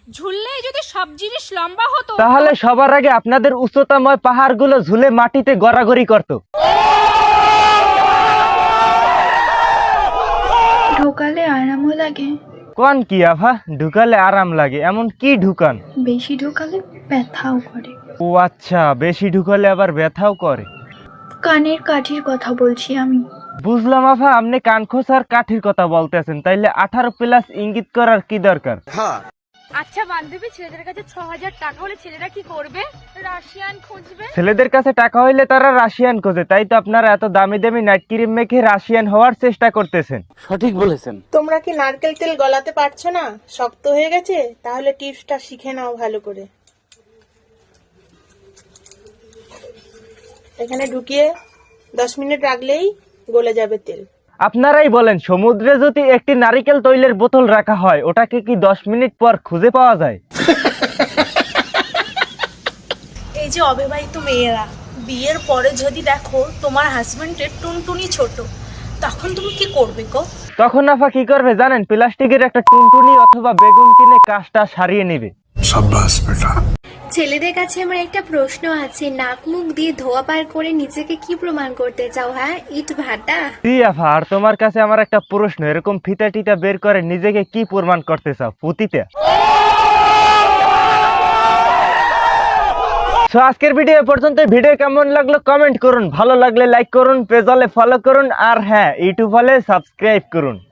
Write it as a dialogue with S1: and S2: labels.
S1: ঝুললেই যদি সব জিনিস লম্বা হতো
S2: তাহলে সবার আগে আপনাদের উচ্চতাময় পাহাড়গুলো ঝুলে মাটিতে গড়াগড়ি করত।
S3: ঢোকালে আরামও লাগে,
S2: কোন কি আভা ঢুকালে আরাম লাগে? এমন কি ঢুকান?
S3: বেশি ঢোকালে ব্যথাও করে।
S2: ও আচ্ছা, বেশি ঢুকালে আবার ব্যথাও করে।
S3: কানের কাঠির কথা বলছি আমি।
S2: বুঝলাম আভা, আপনি কানখোসার কাঠির কথা বলতেছেন, তাইলে 18+ ইঙ্গিত করার কি দরকার?
S1: আচ্ছা বান্ধবী, ছেলেদের কাছে 6000 টাকা হলে ছেলেরা কি করবে? রাশিয়ান খুঁজবে।
S2: ছেলেদের কাছে টাকা হইলে তারা রাশিয়ান খোঁজে, তাই তো আপনারা এত দামি দামি নাইট ক্রিম মেখে রাশিয়ান হওয়ার চেষ্টা করতেছেন।
S4: সঠিক বলেছেন।
S5: তোমরা কি নারকেল তেল গলাতে পারছো না? শক্ত হয়ে গেছে? তাহলে টিপসটা শিখে নাও ভালো করে। এখানে ঢুকিয়ে 10 মিনিট রাখলেই গলে যাবে তেল।
S2: আপনারাই বলেন, সমুদ্রে যদি একটি নারিকেল তৈলের বোতল রাখা হয়, ওটাকে কি 10 মিনিট পর খুঁজে পাওয়া যায়?
S6: এই যে অবিবাহিত মেয়েরা, বিয়ের পরে যদি দেখো তোমার হাজবেন্ডের টুনটুনি ছোট, তখন তুমি কি করবে গো?
S2: তখন আফা কি করবে জানেন? প্লাস্টিকের একটা টুনটুনি অথবা বেগুন কিনে কাজটা সারিয়ে নেবে।
S7: ছেলেদের কাছে আমার একটা প্রশ্ন আছে, নাক মুখ দিয়ে ধোয়া পার করে নিজেকে কি প্রমাণ করতে চাও? হ্যাঁ, ইট ভাটা।
S2: জি আফা, আর তোমার কাছে আমার একটা প্রশ্ন, এরকম ফিতা টিতা বের করে নিজেকে কি প্রমাণ করতে চাও? পুতিতে। সো আজকের ভিডিও এ পর্যন্ত। ভিডিও কেমন লাগলো কমেন্ট করুন, ভালো লাগলে লাইক করুন, পেজ হলে ফলো করুন, আর হ্যাঁ ইউটিউব হলে সাবস্ক্রাইব করুন।